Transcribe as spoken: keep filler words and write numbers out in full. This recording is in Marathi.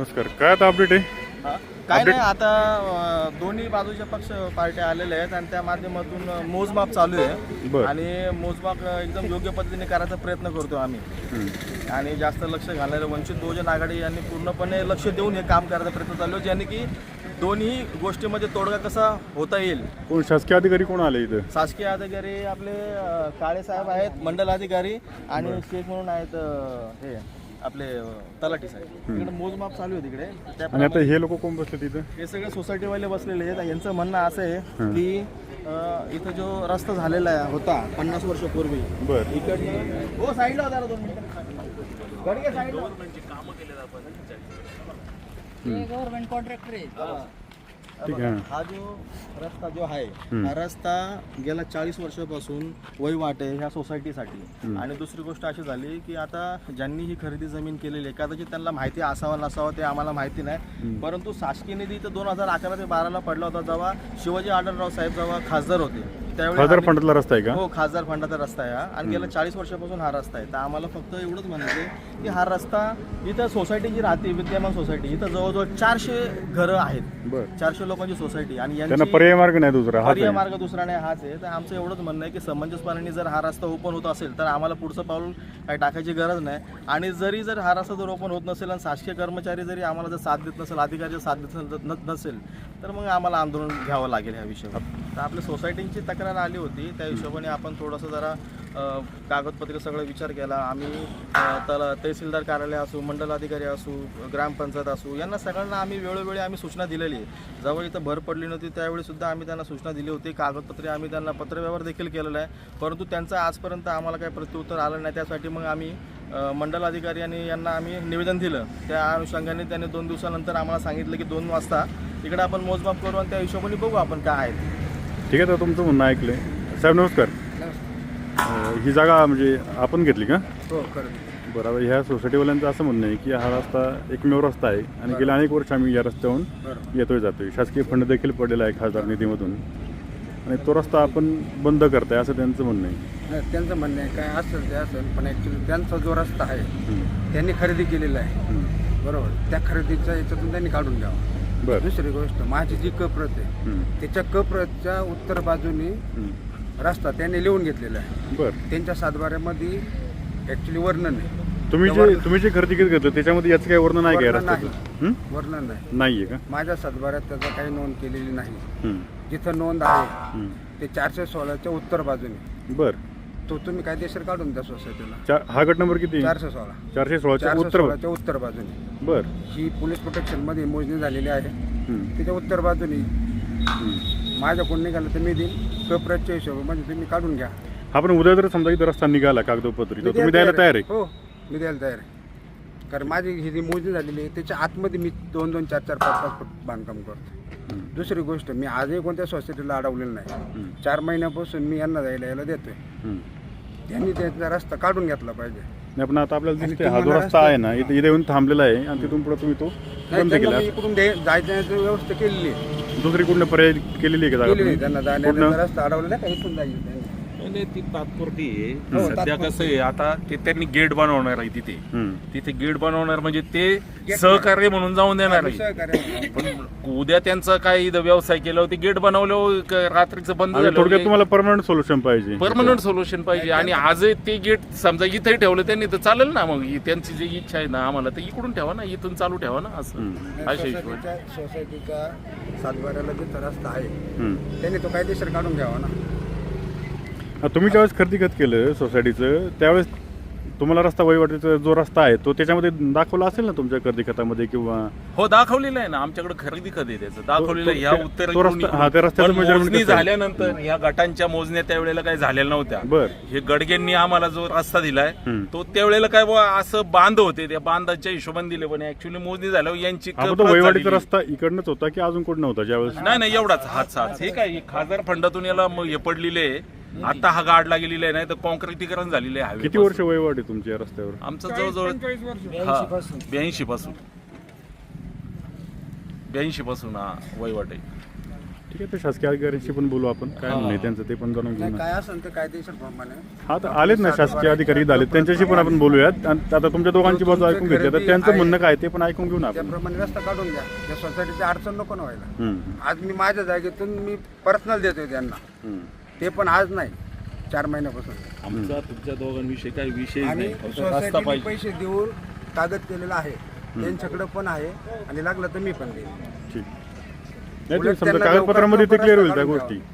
नमस्कार. काय आता अपडेट आहे? हा? काय नाही, आता अ, दोन्ही बाजूच्या पक्ष पार्ट्या आलेल्या आहेत आणि त्या माध्यमातून अ, मोजमाप चालू आहे बरं. आणि मोजमाप अ, एकदम योग्य पद्धतीने करायचा प्रयत्न करतो आम्ही. आणि जास्त लक्ष घालायला वंचित बहुजन आघाडी यांनी पूर्णपणे लक्ष देऊन हे काम करायचा प्रयत्न चालू आहे, ज्याने की दोन्ही गोष्टीमध्ये तोडगा कसा होता येईल. कोण शासकीय अधिकारी कोण आले इथं? शासकीय अधिकारी आपले अ, काळे साहेब आहेत, मंडल अधिकारी आणि शेख म्हणून आहेत अ, हे आपले अ, तलाठी साहेब. तिकडे मोजमाप चालू आहे तिकडे. आणि आता त्याप्रमाणे हे लोक कोण बसले तिथं? हे सगळे सोसायटीवाले बसलेले आहेत. यांचं म्हणणं असं आहे की अ, इथं जो रस्ता झालेला आहे होता पन्नास वर्षापूर्वी, बरं. इकडनं हो साईडला होता दोन मिनिटं गडगे साईडला कामं केले आपण. गव्हर्नमेंट कॉन्ट्रॅक्टर आहे. ठीक आहे. हा जो रस्ता जो आहे हा रस्ता गेल्या चाळीस वर्षापासून वहिवाट आहे ह्या सोसायटीसाठी. आणि दुसरी गोष्ट अशी झाली की आता ज्यांनी ही खरेदी जमीन केलेली आहे कदाचित त्यांना माहिती असावं नसावं ते आम्हाला माहिती नाही, परंतु शासकीय निधी तर दोन हजार अकरा ते बाराला पडला होता जेव्हा शिवाजी आढळराव साहेब जेव्हा खासदार होते त्यावेळी. खासदार फंडातला रस्ता आहे का? हो, खासदार फंडाचा रस्ता आहे हा आणि गेल्या चाळीस वर्षापासून हा रस्ता आहे. तर आम्हाला फक्त एवढंच म्हणायचं आहे की हा रस्ता इथं सोसायटी जी राहते विद्यमान सोसायटी इथं जवळजवळ चारशे घरं आहेत, बरं. चारशे लोकांची सोसायटी आणि त्यांना यांची पर्याय मार्ग नाही दुसरा हाच पर्याय आहे. मार्ग दुसरा नाही हाच आहे. तर आमचं एवढंच म्हणणं आहे की समंजसपणाने जर हा रस्ता ओपन होत असेल तर आम्हाला पुढचं पाऊल काही टाकायची गरज नाही. आणि जरी जर हा रस्ता जर ओपन होत नसेल आणि शासकीय कर्मचारी जरी आम्हाला जर साथ देत नसेल, अधिकारी जर साथ देत न- नसेल तर मग आम्हाला आंदोलन घ्यावं लागेल ह्या विषयावर. तर आपल्या सोसायटीची तक्रार आली होती त्या हिशोबाने आपण थोडंसं जरा अ, कागदपत्र सगळं विचार केला आम्ही. अ, त्याला तहसीलदार कार्यालय असू, मंडल अधिकारी असू, ग्रामपंचायत असू, यांना सगळ्यांना आम्ही वेळोवेळी आम्ही सूचना दिलेली आहे. जेव्हा इथं भर पडली नव्हती त्यावेळी सुद्धा आम्ही त्यांना सूचना दिली होती. कागदपत्रे आम्ही त्यांना पत्रव्यवहार देखील केलेला आहे, परंतु त्यांचं आजपर्यंत आम्हाला काही प्रत्युत्तर आलं नाही. त्यासाठी मग आम्ही अ, मंडल अधिकारी आणि यांना आम्ही निवेदन दिलं. त्या अनुषंगाने त्यांनी दोन दिवसानंतर आम्हाला सांगितलं की दोन वाजता इकडे आपण मोजमाप करू आणि त्या हिशोबाने बघू आपण काय आहे. ठीक आहे. तर तुमचं म्हणणं ऐकलंय. साहेब नमस्कार. अं, ही जागा म्हणजे आपण घेतली का? हो, खरं. बरोबर. ह्या सोसायटीवाल्यांचं असं म्हणणं आहे की हा रस्ता एकमेव रस्ता आहे आणि गेल्या अनेक वर्ष आम्ही या रस्त्यावरून येतोय जातोय. शासकीय फंड देखील पडलेला आहे खासदार निधीमधून आणि तो रस्ता आपण बंद करताय असं त्यांचं म्हणणं आहे. नाही, त्यांचं म्हणणं आहे काय असेल ते असेल, पण ॲक्च्युली त्यांचा जो रस्ता आहे त्यांनी खरेदी केलेला आहे, बरोबर. त्या खरेदीच्या याच्यातून त्यांनी काढून घ्यावं. बरं. दुसरी गोष्ट, माझी जी कप्रत आहे त्याच्या कप्रतच्या उत्तर बाजूनी रस्ता त्यांनी लिहून घेतलेला आहे. बरं. त्यांच्या सातबाऱ्यामध्ये ॲक्च्युली वर्णन आहे. तुम्ही जे तुम्ही जे खरेदी घेत घेतलं त्याच्यामध्ये याचं काही वर्णन आहे का या वर्णन रस्त्याचं? हं? वर्णन नाही नाही आहे का? माझ्या सातबाऱ्यात त्याचं काही नोंद केलेली नाही. हं. जिथं नोंद आहे हं. ते चारशे सोळाच्या उत्तर बाजूने. बरं. तो तुम्ही कायदेशीर काढून द्या सोसायटीला. चा हा गट नंबर किती? चारशे सोळा चारशे सोळाच्या चारशे उत्तर. सोळाच्या उत्तर बाजूने. बरं. ही पोलीस प्रोटेक्शनमध्ये मोजणी झालेली आहे. हं. त्याच्या उत्तर बाजूने हं. माझ्या कोण निघालं तर मी देईन. कपराच्या हिशोबामध्ये तुम्ही काढून घ्या. हा पण उद्या जर समजा इथं रस्ता निघाला कागदोपत्री तर मी तुम्ही द्यायला तयार आहे? हो, मी द्यायला तयार आहे. कारण माझी ही जी मोजणी झालेली आहे त्याच्या आतमध्ये मी दोन दोन चार चार पाच पाच फूट बांधकाम करतो. दुसरी गोष्ट, मी आजही कोणत्या सोसायटीला अडवलेलं नाही. चार महिन्यापासून मी यांना जायला यायला देतोय. हं. त्यांनी त्याचा रस्ता काढून घेतला पाहिजे. नाही पण आता आपल्याला आणि दिसतंय हा जो तुम्हाला रस्ता आहे ना इथे इथे येऊन थांबलेला आहे आणि तिथून पुढे तुम्ही तो नाही, बंद त्यांना केला. मी इकडून दे- जायची व्यवस्था केलेली आहे. दुसरी कुठल्या पर्याय केलेली आहे का जागा केलेली आहे. तुम्ही? त्यांना जाण्याचा रस्ता अडवलेला आहे का इथून जाईल त्यांनी. नाही, ती तात्पुरती आहे. हो, सध्या तात्पुरती. कसं आहे आता ते त्यांनी गेट बनवणार आहे तिथे. हं. तिथे गेट बनवणार म्हणजे ते सहकार्य म्हणून जाऊन देणार आहे. सहकार्य. पण उद्या त्यांचा काही इथं व्यवसाय केला होती गेट बनवल्यावर क- रात्रीचं बंद आणि थोडक्यात झालं. तुम्हाला परमनंट सोल्युशन पाहिजे. परमनंट सोल्युशन पाहिजे आणि आज ते गेट समजा इथे ठेवलं त्यांनी तर चालेल ना. मग ही त्यांची जी इच्छा आहे ना आम्हाला तर इकडून ठेवा ना, इथून चालू ठेवा ना असं हं. अशा हिशोबाने. सोसायटीच्या सोसायटीच्या सातबाऱ्याला जिथं रस्ता आहे हं. त्यांनी तो कायदेशीर काढून घ्यावा ना. हा, तुम्ही ज्यावेळेस खरेदी खत केलं सोसायटीचं त्यावेळेस तुम्हाला रस्ता वहिवाटीचा जो रस्ता आहे तो त्याच्यामध्ये दाखवला असेल ना तुमच्या खरेदी खतामध्ये किंवा? हो, दाखवलेलं आहे ना आमच्याकडे खरेदी खत आहे त्याचं दाखवलेलं आहे. तो- ह्या तो- उत्तर तो रस्ता- हा, त्या रस्त्याचं measurement मोजणी कसं आहे? झाल्यानंतर या गटांच्या मोजण्या त्यावेळेला काही झालेल्या नव्हत्या. बर. हे गडगेंनी आम्हाला जो रस्ता दिलाय हं. तो त्यावेळेला काय बुवा असं बांध होते त्या बांधाच्या हिशोबाने दिले पण ऍक्च्युअली मोजणी झाल्यावर यांची हा, पण तो कप्रत वहिवाटीचा झालेली. रस्ता इकडनंच होता की अजून कुठं नव्हता ज्यावेळेस? नाही नाही एवढाच हात हात हे काय हे खासदार फंडातून याला म- हे पडलेले आहे. आता हा गाडला गेलेला आहे नाही तर कॉन्क्रिटीकरण झालेले आहे किती वर्ष वहिवाट आहे तुमच्या या रस्त्यावर? आमचं जवळजवळ ब्याऐंशी पासून ब्याऐंशी पासून हा वहिवाट आहे. ठीक आहे, तर शासकीय अधिकाऱ्यांशी पण बोलू आपण, काय म्हणणं आहे त्यांचं ते पण जाणून घेऊ नाही ना. काय असेल ते कायदेशीर प्रमाणे हा तर आलेत ना शासकीय अधिकारी झाले, त्यांच्याशी पण आपण बोलूयात. आणि आता तुमच्या दोघांची बाजू ऐकून घेतली, तर त्यांचं म्हणणं काय ते पण ऐकून घेऊ ना आपण. त्याप्रमाणे रस्ता काढून द्या, त्या सोसायटीची अडचण नको ना व्हायला. हम्म, आज मी माझ्या जागेतून मी पर्सनल देतोय त्यांना, हम्म. ते पण आज नाही, चार महिन्यापासून. आमचा तुमच्या दोघांविषयी काही विषय आणि नाही, फक्त रस्ता सोसायटीने पाहिजे. पैसे देऊन कागद केलेला आहे, त्यांच्याकडे पण आहे आणि लागलं तर मी पण देईन. ठीक नाही, ते उलट समजा त्यांना कागदपत्रामध्ये ते लवकरात क्लिअर होईल लवकर त्या काढून गोष्टी. द्यावं.